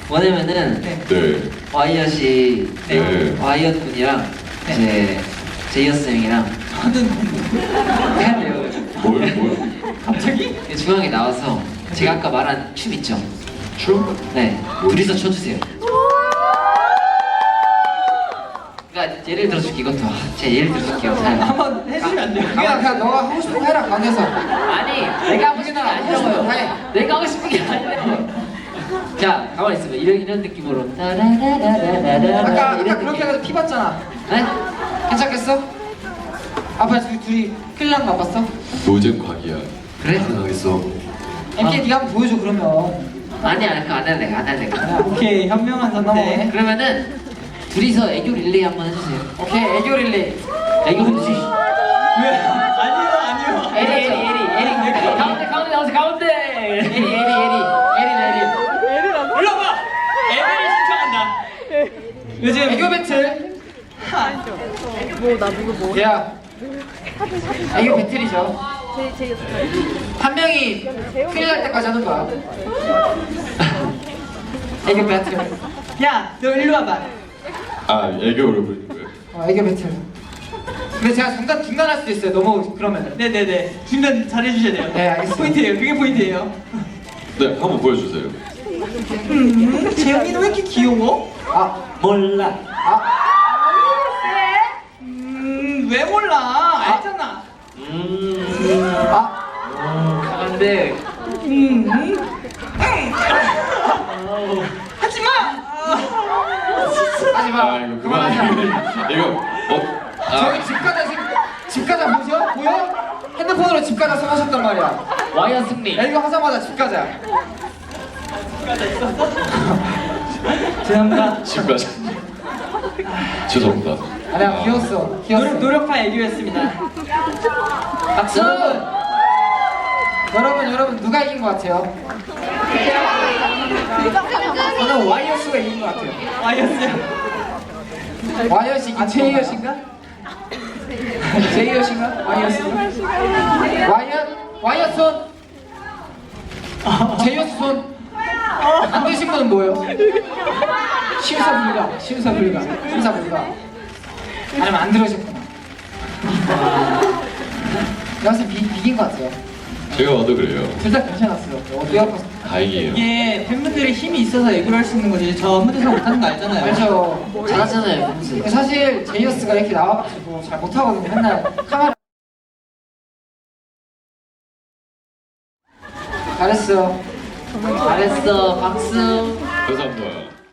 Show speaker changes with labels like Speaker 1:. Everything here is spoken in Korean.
Speaker 1: 뭐냐면은
Speaker 2: 네.
Speaker 1: 와이엇이
Speaker 2: 네.
Speaker 1: 와이엇 분이랑 이제 제이어스 형이랑
Speaker 3: 저는
Speaker 1: 해야 돼요.
Speaker 2: 뭘?
Speaker 3: 갑자기?
Speaker 1: 중앙에 나와서 제가 아까 말한 춤 있죠?
Speaker 2: 춤?
Speaker 1: 네, 둘이서 춰주세요. 그러니까 예를 들어줄게 이것도 제가 예를 들어줄게요.
Speaker 3: 한번 해주시면 안 돼요?
Speaker 4: 그냥 너가 하고 싶은 거 해라 강에서.
Speaker 1: 아니 내가 하고 싶은 게 아니라고요.
Speaker 4: 해.
Speaker 1: 내가 하고 싶은 게 아니라고. 자 가만히 있어봐. 이런 느낌으로 따라라라라라라
Speaker 4: 아까
Speaker 1: 이런
Speaker 4: 그렇게
Speaker 1: 느낌.
Speaker 4: 해가지고 피 봤잖아.
Speaker 1: 네?
Speaker 4: 괜찮겠어? 아빠 둘이 큰일 난거 안 봤어?
Speaker 2: 노잼 과기야.
Speaker 1: 그래?
Speaker 2: 가능하겠어.
Speaker 4: MK 네가 한번 보여줘 그러면.
Speaker 1: 아니야 그거 안 할래 안 할래.
Speaker 3: 오케이, 현명한 선택.
Speaker 1: 그러면은 둘이서 애교 릴레이 한번 해주세요.
Speaker 4: 오케이 애교 릴레이.
Speaker 1: 애교 릴레이.
Speaker 3: 왜? 아니요.
Speaker 1: 에리 가운데 나오세요 가운데. 에리
Speaker 3: 올라봐! 애들이 신청한다. 요즘
Speaker 4: 애교 배틀.
Speaker 5: 뭐 누구 뭐?
Speaker 4: 야. 애교 배틀이죠.
Speaker 5: 제이어스.
Speaker 4: 한 명이 큰일 날 때까지 하는 거야. 애교 배틀.
Speaker 3: 야, 너 일로 와봐.
Speaker 2: 아, 애교를 부르는 거예요?
Speaker 4: 애교 배틀. 근데 제가 중단할 수도 있어요. 너무 그러면은.
Speaker 3: 네네네. 중간 잘해주셔야 돼요.
Speaker 4: 네, 알겠습니다.
Speaker 3: 포인트예요. 그게 포인트예요.
Speaker 2: 네, 한번 보여주세요.
Speaker 3: 재영이는 왜 이렇게 귀여워?
Speaker 4: 아
Speaker 1: 몰라.
Speaker 3: 왜 몰라? 알잖아.
Speaker 1: 강한데.
Speaker 3: 하지 마.
Speaker 4: 하지 마.
Speaker 2: 아, 이거 그만하자. 이거,
Speaker 4: 저희 집 가자 보여? 핸드폰으로 집 가자 써하셨단 말이야.
Speaker 1: 와이어 승리.
Speaker 4: 야 이거 하자마자 집 가자.
Speaker 3: 죄송합니다.
Speaker 2: 집 가자. 죄송합니다.
Speaker 4: 아니야 귀여웠어.
Speaker 3: 노력파 애교였습니다.
Speaker 4: 박수. 여러분 누가 이긴 것 같아요? 저는 와이어스가 이긴 것 같아요.
Speaker 3: 아이였어요.
Speaker 4: 와이어스 이긴 제이엇인가? 제이엇인가? 와이어스가? 와이어 손. 제이어스 손. 안 되신 분은 뭐예요? 심사불가. 아니면 안 들으셨구나. 내가 비긴 것 같아요.
Speaker 2: 제가 봐도 그래요.
Speaker 4: 둘 다 괜찮았어요. 어디 아파서.
Speaker 2: 다행이에요.
Speaker 3: 이게 팬분들이 힘이 있어서 애교를 할 수 있는 거지. 저 무대에서 못하는 거 알잖아요.
Speaker 4: 알죠?
Speaker 1: 잘하잖아요 평소에.
Speaker 4: 사실 제이어스가 이렇게 나와가지고 잘 못하거든요. 맨날 카메라.
Speaker 1: 잘했어 박수.
Speaker 2: 감사합니다.